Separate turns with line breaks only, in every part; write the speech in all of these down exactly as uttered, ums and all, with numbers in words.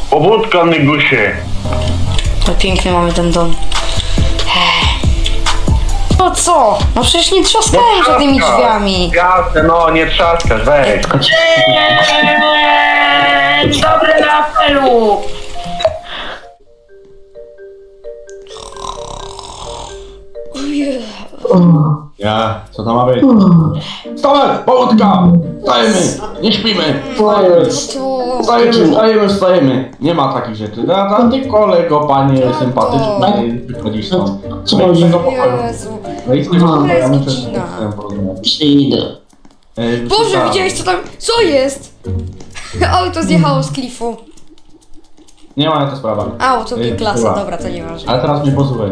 Pobudka, Nygusie.
To pięknie mamy ten dom. No co? No przecież nie trzaskałem za tymi drzwiami.
Jasne, no nie trzaskasz, weź.
Eee, dobry na apelu!
Ja, co to ma być? Wstawaj! Pobudka! Wstajemy! Nie śpimy!
To...
Wstajemy, wstajemy, wstajemy! Nie ma takich rzeczy. Da, da, ty kolego, panie sympatyczny, wychodzisz stąd.
Co
Wejdź
chodzi?
z tego pokoju.
Jezu.
Wejdź z tego
No.
pokoju, ja muszę
Jest
z
godzina.
tym porozmawiać.
Przyjdę.
Ej,
Boże,
wstałem.
widziałeś co tam? Co jest? Auto zjechało z klifu.
Nie ma na to sprawa.
Auto
Ej,
G-klasa,
była.
dobra, to nieważne.
Ale teraz mnie posłuchaj.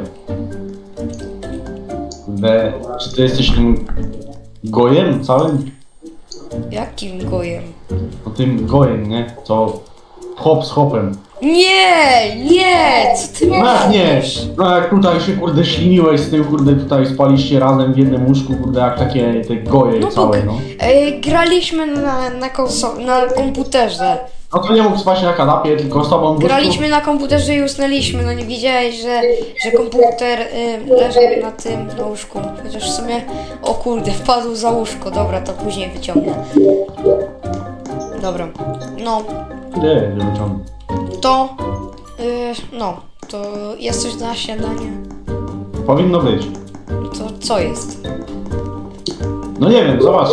Kurde, czy ty jesteś tym gojem całym?
Jakim gojem?
No tym gojem, nie? Co hop z hopem.
Nie, nie, co ty
No jak nie?
mówisz?
No jak tutaj się kurde śliniłeś z tym, kurde tutaj spaliście razem w jednym łóżku, kurde jak takie te goje
No bo
całe, no.
e, graliśmy na, na, konso- na komputerze.
No to nie mógł spać na kanapie, tylko z tobą w łóżku.
Graliśmy na komputerze i usnęliśmy, no nie widziałeś, że, że komputer y, leżał na tym, na łóżku. Chociaż w sumie, o kurde, wpadł za łóżko, dobra, to później wyciągnę. Dobra, no,
Nie, nie wyciągnę.
to, y, no, to jest coś na śniadanie.
Powinno być.
To co jest?
No nie wiem, zobacz.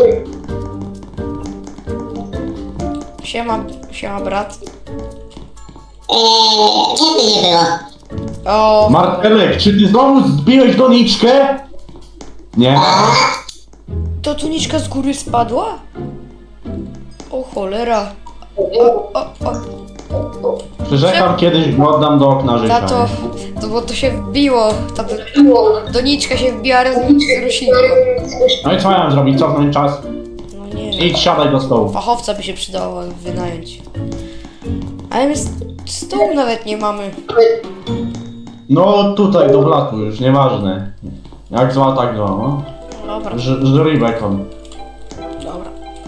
Siema, siema brat.
Eee, kiedy nie było?
O,
Martelek, czy ty znowu zbiłeś doniczkę? Nie.
to tuniczka z góry spadła? O cholera. O, o, o.
Przyrzekam, kiedyś go oddam do okna życia.
Tato, to bo to się wbiło, ta do- doniczka się wbiła razem z roślinką.
No i co miałem zrobić? Cofnąć czas?
No nie wiem,
Idź, siadaj do stołu.
fachowca by się przydało wynająć. Ale my st- stołu nawet nie mamy.
No tutaj, do blatu już, nieważne. Jak zła, tak zła, no.
Dobra,
Ż- Żryj bekon.
dobra.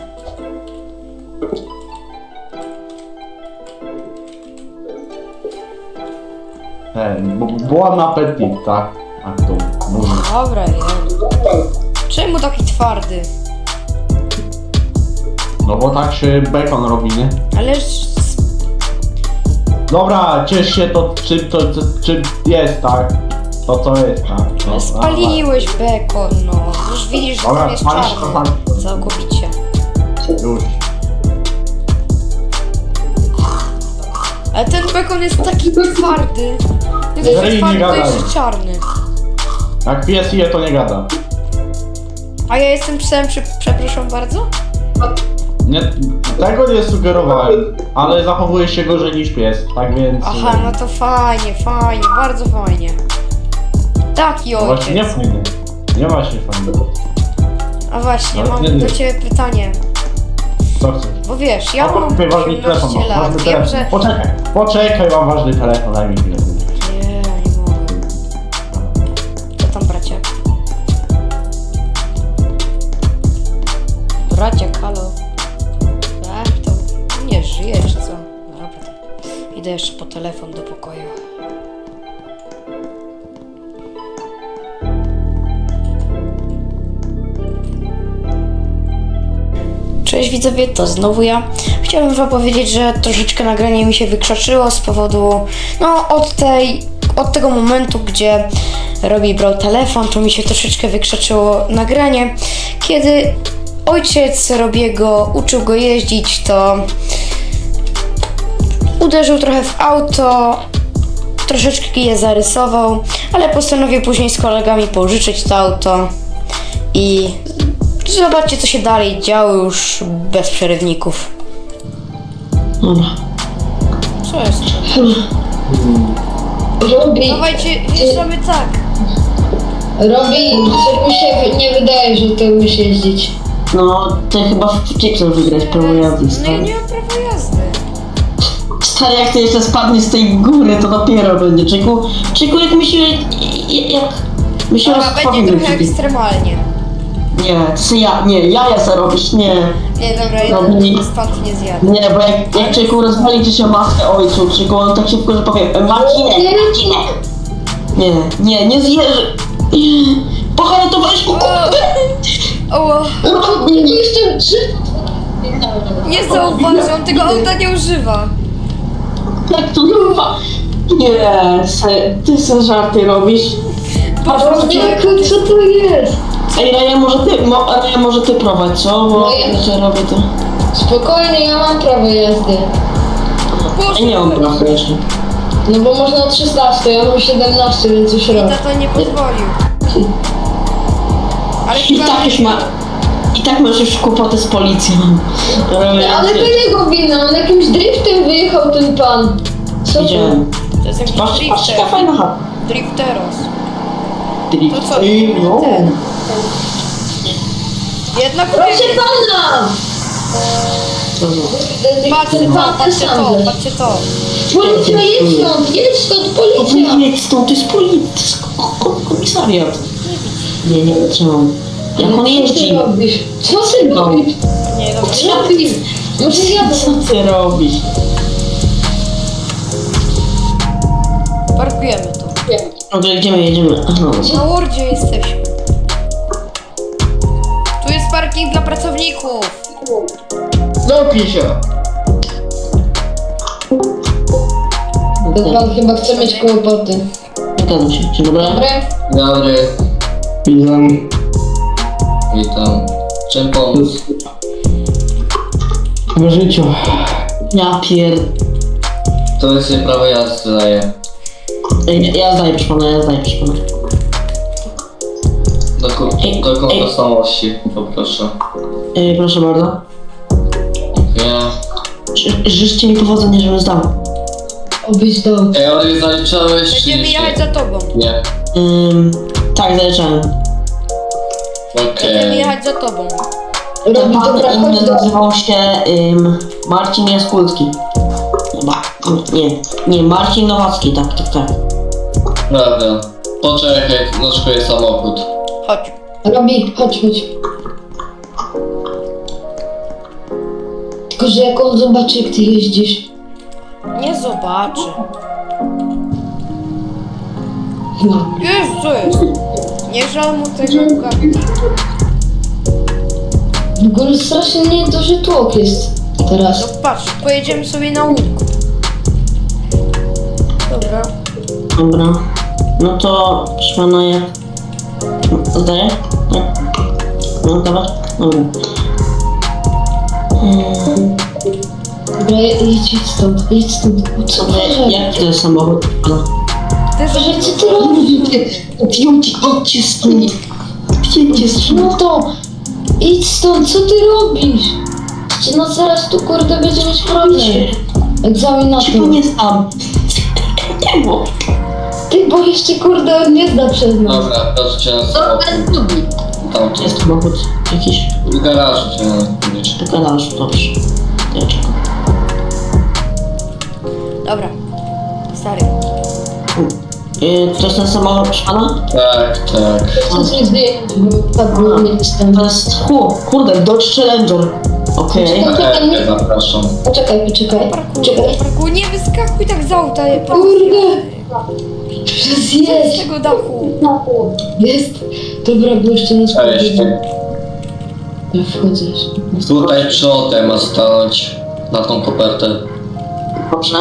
Ten, bo bon appetit, tak? Tak to mówi.
Dobra, jem. Czemu taki twardy?
No bo tak się bekon robi, nie?
Ależ s-
Dobra, ciesz się to czym to, to czym jest, tak? To co jest, tak? No,
spaliłeś bekon, no. Już widzisz, że
Dobra,
tam jest
spalisz
czarny.
to tam.
Całkowicie.
Już.
Ale ten bekon jest taki twardy. Nie dość,
Ryj,
że
nie
twardy, to
gadaj.
jeszcze czarny.
Jak pies je, to nie gada.
A ja jestem psem, prze- przepraszam bardzo?
Nie, tego nie sugerowałem, ale zachowuje się gorzej niż pies, tak więc...
Aha, no to fajnie, fajnie, bardzo fajnie. Taki
no właśnie nie
ojciec.
fajnie. Nie właśnie fajnie.
A właśnie,
No,
mam
nie, nie.
do ciebie pytanie.
Co chcesz?
Bo wiesz, ja
O,
mam
tutaj ważny telefon,
osiemnaście
mam, ważny
lat, wiem,
telefon.
że...
Poczekaj, poczekaj, mam ważny telefon, daj mi chwilę.
Nie, nie mogę. Co tam, bracie? Bracie, halo. Tak, to nie żyje, czy co? Dobra, to idę jeszcze po telefon do pokoju. Cześć widzowie, to znowu ja. Chciałbym wam powiedzieć, że troszeczkę nagranie mi się wykrzaczyło z powodu, no od tej, od tego momentu, gdzie Robi brał telefon, to mi się troszeczkę wykrzaczyło nagranie. Kiedy ojciec Robiego uczył go jeździć, to uderzył trochę w auto, troszeczkę je zarysował, ale postanowił później z kolegami pożyczyć to auto i zobaczcie, co się dalej działo już bez przerywników.
Dobra.
Co jest?
Robi,
Dawajcie, wjeżdżamy tak.
Robi, coś mi się nie wydaje, że ty umiesz jeździć.
No, ty chyba w chipsach wygrać prawo jazdy,
No ja
stary.
nie mam prawa jazdy.
Stary, jak ty jeszcze spadniesz z tej góry, to dopiero będzie. Czyku, Czyku, jak my się... jak... My się
Dobra, będzie
rozpławimy
trochę
przy tym.
ekstremalnie.
Nie, ty ja, nie, jaja se robisz, nie.
Nie, dobra,
Robi-
jeden stąd nie zjadę.
Nie, bo jak, jak Czyku rozwali ci się maskę ojcu, Czyku, on tak szybko, że powie e, Marcinek, Marcinek. Nie, nie, nie zjeży. Pohartowałeś mu
O,
No, nie jestem trzy.
nie zauważy, on tego auta nie używa.
Jak to kurwa? Nie, se, ty se żarty robisz.
Jaku, co to jest?
Ej, Raja, może ty, mo, Raja, może ty prowadź, co? Bo
No ja-
że robię to.
Spokojnie, ja mam prawo jazdy.
Ej, nie mam prawa jeszcze.
No bo można od szesnastu, ja mam siedemnaście, więc już
I
rok.
tato nie pozwolił. Ale
I
chyba...
tak już ma... I tak masz już kłopoty z policją. Robię,
Ale to jego wina, on jakimś driftem wyjechał ten pan. Co to?
Widziałem.
To jest jakiś
Patrz, patrz, jaka
drifter.
fajna chata.
Drifteros.
Drift.
To co?
Ej, no.
Ten. Jednak
Proszę pana!
Co za...
Patrzcie to, patrzcie to, patrzcie to.
Policja, jedź stąd, jedź stąd, policja!
Nie, stąd, to jest policja, to jest ko- ko- komisariat. Nie, nie wytrzymam. Jak on
Co ty
jeździ?
robisz? Co ty robisz?
Nie, dobra.
Co robisz? Może jadę.
Co ty robisz?
Parkujemy tu.
Dobrze, jedziemy, jedziemy. Aha.
Na Wordzie jesteśmy. Tu jest parking dla pracowników.
Zamknij się.
Ten pan chyba chce mieć kłopoty.
Zgadzam się. Dzień dobry.
Dobre?
Dobry,
Witam.
witam. Czym pomóc?
W życiu.
Ja pier...
To jest jej prawo jazdy daje.
Ej, Ja zdaję, proszę pana, ja zdaję, proszę pana.
Doku- Dokąd tożsamości, poproszę.
Ej, proszę bardzo.
Nie.
Ży- Życzcie mi powodzenia, żebym zdał.
Obyś dał.
Ej, ale nie zaliczałeś czy
Będziemy
nie?
jechać za tobą.
Nie.
Ym, tak, zaliczałem.
Będziemy
Okej.
jechać za tobą.
Ten
Robi
pan
dobra, chodź
inny
do...
nazywał się ym, Marcin Jaskulski. Chyba. Nie, nie, Marcin Nowacki, tak, tak, tak.
Dobra. Poczekaj, noczkuję samochód.
Chodź.
Robi, chodź, chodź. Tylko, że jak on zobaczy, jak ty jeździsz.
Nie zobaczy.
No.
Już, co jest? Nie żal mu tego Bugatti.
W ogóle strasznie nieduży tłok jest
No
teraz.
patrz, pojedziemy sobie na łódku. Dobra.
Dobra. No to, proszę pana, jak... Zdaję? Tak? No, dawaj. Dobra. Ym,
Dobra, jedź jedź stąd, jedź stąd. Co
Dobra,
to
jaki to jest samochód? Pana?
Ty
że co ty robisz?
Idźcie, idźcie stąd. Idźcie stąd.
No to idź stąd, co ty robisz? Czy no zaraz tu kurde będzie mieć problem. Egzamin na
Się
to.
pan nie znam. Nie było.
Ty, bo jeszcze kurde on nie zna przez nas.
Dobra, proszę cię na samochód. Tam
Gdzie jest samochód? Jakiś?
w garażu cię na
Do garażu, dobrze. Ja czekam.
Dobra. Stary.
Yy, to jest ten samochód, proszę pana?
Tak, tak.
Chcę coś zdjąć, bo tak było nie jestem.
To jest, hu, kurde, Dodge Challenger. Okej.
Poczekaj, nie-
E, zapraszam.
Poczekaj, poczekaj.
Parku,
Czekaj.
parku, nie wyskakuj tak z auta. je-
Kurde! Przez
Z
jest!
tego dachu.
Jest! Dobra, bo jeszcze nas
Cześć.
Ja wchodzisz.
Tutaj przodem ma stanąć na tą kopertę.
Dobrze.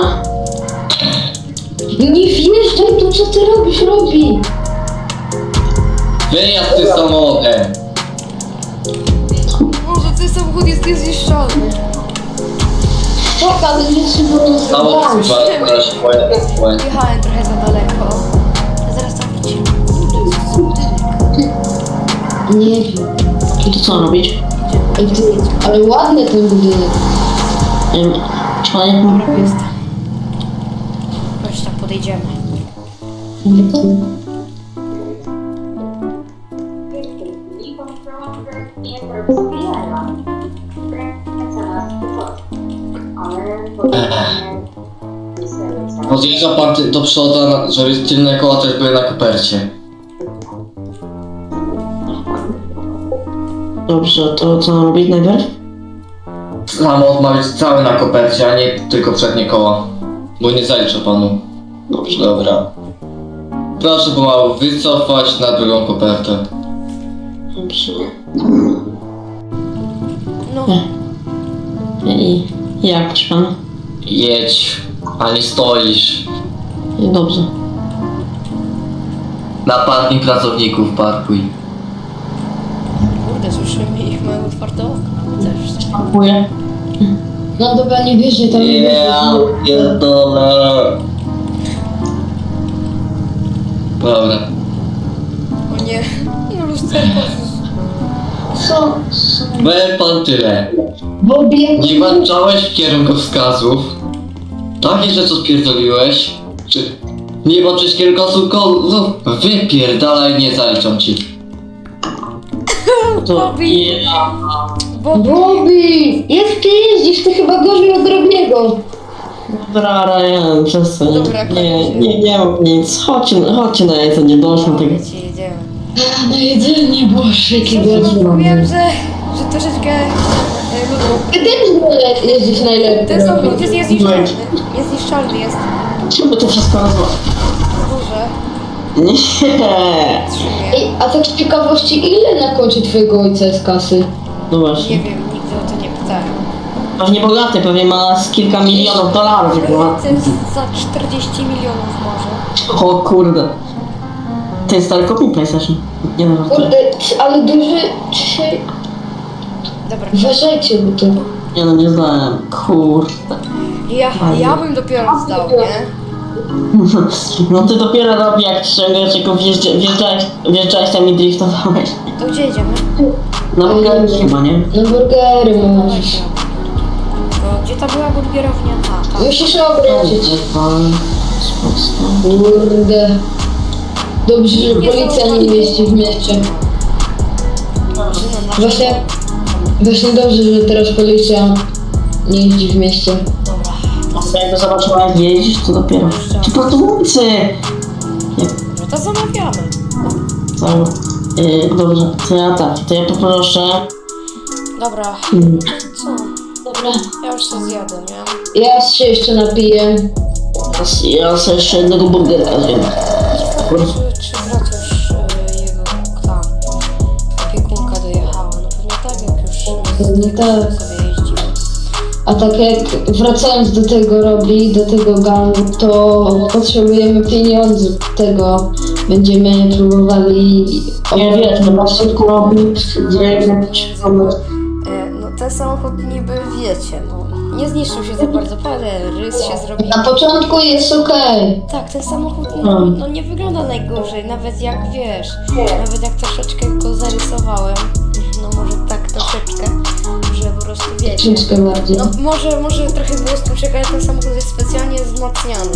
Nie wjeżdżaj tu, co ty robisz, robi!
Wyjazd z tym samochodem!
Może ten samochód jest niezniszczalny.
Tak, ale nie trzeba to
Samochód
zrobić.
chyba teraz się pojawi.
Jechałem trochę za daleko. A zaraz tam wrócimy.
Nie wiem.
I to co robić?
Ej, ty, ale ładny ten budynek.
Ym, Czy pan jak
Dobra, jest. Chodź tam, podejdziemy.
Podjeżdża pan ty- do przodu, na- żeby tylne koła też były na kopercie.
Dobrze, to co mam robić najpierw?
samochód ma być cały na kopercie, a nie tylko przednie koła. Bo nie zaliczę panu. Dobrze, dobra. Proszę pomału wycofać na drugą kopertę.
Dobrze.
No,
I jak, proszę pana?
Jedź, a nie stoisz.
Dobrze.
Na parking pracowników parkuj.
kurde, słyszymy ich, mają otwarte okna. Też.
Dziękuję.
No dobra, nie wierzę tam. nie
Ja
wierzę.
pierdolę. Dobra.
O nie, no lusterko.
Co? Co?
Powiem pan tyle.
Bobie,
Nie włączałeś kierunkowskazów. Takie rzeczy spierdoliłeś. Czy nie włączyłeś kierunkowskazów? Wypierdalaj, nie zaliczam ci.
To
Bobby.
ja...
Bobby! Jak ty jeździsz? Ty chyba gorzej od drobniego.
Dobra, Ryan, przestań.
Dobra,
Nie,
koniec.
nie, nie mam nic. Chodźcie, chodźcie na jedzenie, doszło tego.
Ci jedziemy.
A, na jedzenie, boże, jaki gorzej.
Wiem, że, że troszeczkę e, ludu.
Ty też wolę jeździć najlepiej.
Ten samochód jest niezniszczalny. Niezniszczalny jest.
Czemu to wszystko nazwa?
Boże,
Nie.
trzymie.
Ej, a tak z ciekawości, ile na koncie twojego ojca jest kasy?
No właśnie.
Nie wiem, nigdy o to nie pytałem.
Pewnie bogaty, pewnie ma z kilka milionów dolarów. chyba.
To jest za czterdzieści milionów może.
O kurde. To jest daleko mi PlayStation. Nie wiem, to.
Kurde, ty- ale duży dzisiaj...
Dobra,
Uważajcie, bo to...
Nie no, nie znałem. Kurde.
ja, ja bym dopiero zdał, nie?
No ty dopiero robi jak ściągasz, tylko wjeżdża- wjeżdżałeś, wjeżdżałeś tam i driftowałeś.
To gdzie jedziemy?
Na burgerze chyba, nie?
Na burgery możesz.
To gdzie ta była burgerownia? A, tam.
Musisz obrócić.
Spoko.
Kurde. Dobrze, że policja nie mieści w mieście.
Drużyna nasza.
Właśnie... Właśnie dobrze, że teraz policja nie jeździ w mieście.
Dobra.
A jak go zobaczyła jak jeździsz, to dopiero. Ci pracownicy!
No to zamawiamy.
Cały. Yy, dobrze, to ja tak, to ja poproszę.
Dobra,
Hmm.
co?
Dobra.
Ja już się zjadę, nie?
Ja się jeszcze napiję.
Teraz ja sobie jeszcze jednego burgera zjem.
Czy, czy brat już y, jego tam opiekunka dojechała? No pewnie tak, jak już
Pewnie tak.
sobie jeździła.
A tak jak wracając do tego robi, do tego gangu, to potrzebujemy pieniędzy do tego. Będziemy próbowali...
Nie wiesz, to na szybko robić, gdzie jakiś pomysł.
E, no ten samochód niby wiecie, no nie zniszczył się za bardzo, parę rys się zrobił.
Na początku jest okej.
Tak, ten samochód no, no nie wygląda najgorzej, nawet jak wiesz, nawet jak troszeczkę go zarysowałem, no może tak troszeczkę, że po prostu wiecie.
Troszeczkę bardziej.
No może, może trochę było stłuczek, ale ten samochód jest specjalnie wzmacniany.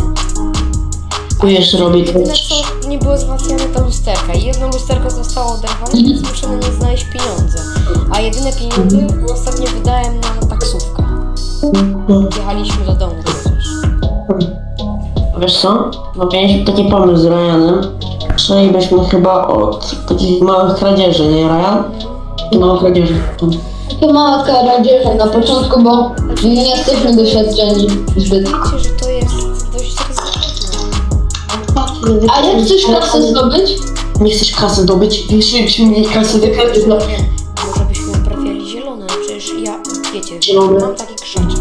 Tu jeszcze robię
Jedyne
coś.
co nie było wzmacniane to lusterka i jedno lusterko zostało oderwane, więc muszę na nie znaleźć pieniądze. A jedyne pieniądze ostatnio wydałem na taksówkę. Jechaliśmy do domu przecież.
Wiesz co? No mieliśmy taki pomysł z Ryanem. Przejęlibyśmy chyba od takich małych kradzieży, nie Ryan? Małych kradzieży.
To mała kradzież na początku, bo nie jesteśmy doświadczeni zbyt.
Wiecie, że to jest dość ryzykowne.
A jak chcesz kasę zdobyć?
Nie chcesz kasy zdobyć? Większyśmy mieli kasę do kradzieży. No.
Może byśmy uprawiali zielone, przecież ja, wiecie,
Zielone?
mam taki krzaczek.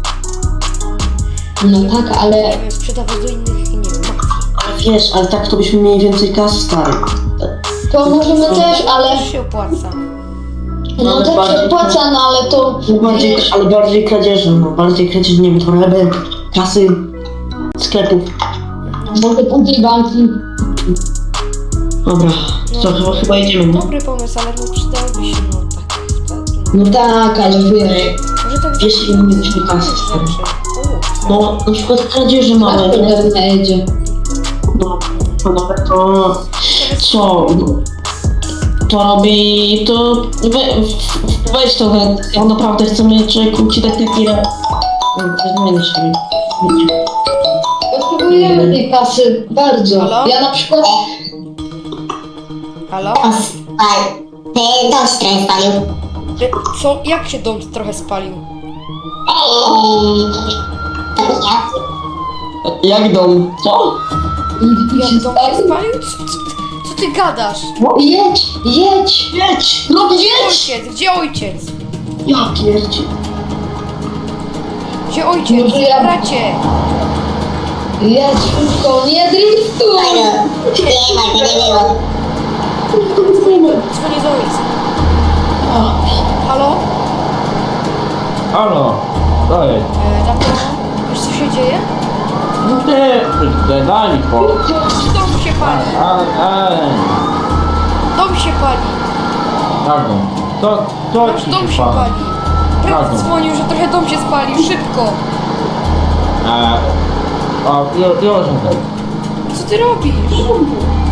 No tak, ale
Nie wiem, sprzedawać do innych, nie wiem, mafii.
Ale wiesz, ale tak to byśmy mieli więcej kasy, stary.
to możemy też, ale...
Też się opłaca.
No
Ale
też
bardziej-
się opłaca, no ale to...
No bardziej,
wiesz,
ale bardziej kradzieży, no bardziej kradzieży, nie wiem, torebek, kasy, sklepów.
Może później banki.
Dobra, to chyba, chyba idziemy, no.
Dobry pomysł, ale no przydałoby się, no tak, wtedy.
No tak, ale wiesz...
Może tak
Wiesz, ile mieliśmy kasy, stary?
rzeczy. O,
No, na przykład kradzieży
Tak,
małe, nie?
to jedzie.
No, no nawet to... Co? No, to robi... to... We, w- weź to, we, ja naprawdę chcemy człowieku ci tak chwilę... Zmieni się.
Potrzebujemy tej kasy bardzo.
Halo?
Ja na przykład...
Halo?
Spal. Ty dom trochę spalił.
E, Co? Jak się dom trochę spalił?
Jak dom? Co?
Jak dom się spalił? Co, co, co ty gadasz?
Jedź, jedź!
Jedź! No jedź!
Ojciec, gdzie ojciec?
Ja pierdzie.
Gdzie ojciec?
Może ja-
Bracie!
Jedź szybko, nie driftuj!
Dzwonię do ojca. Halo?
Halo, co jest?
E, tato, wiesz co się dzieje?
No ty, ty, daj mi spokój.
Dom się pali.
A, a,
Dom się pali.
jak dom? Co, co
Nasz
ci
dom
się
się
pali?
pali. Brat
Tak.
dzwonił, że trochę dom się spalił. Szybko.
E, a, już, już,
Co ty robisz?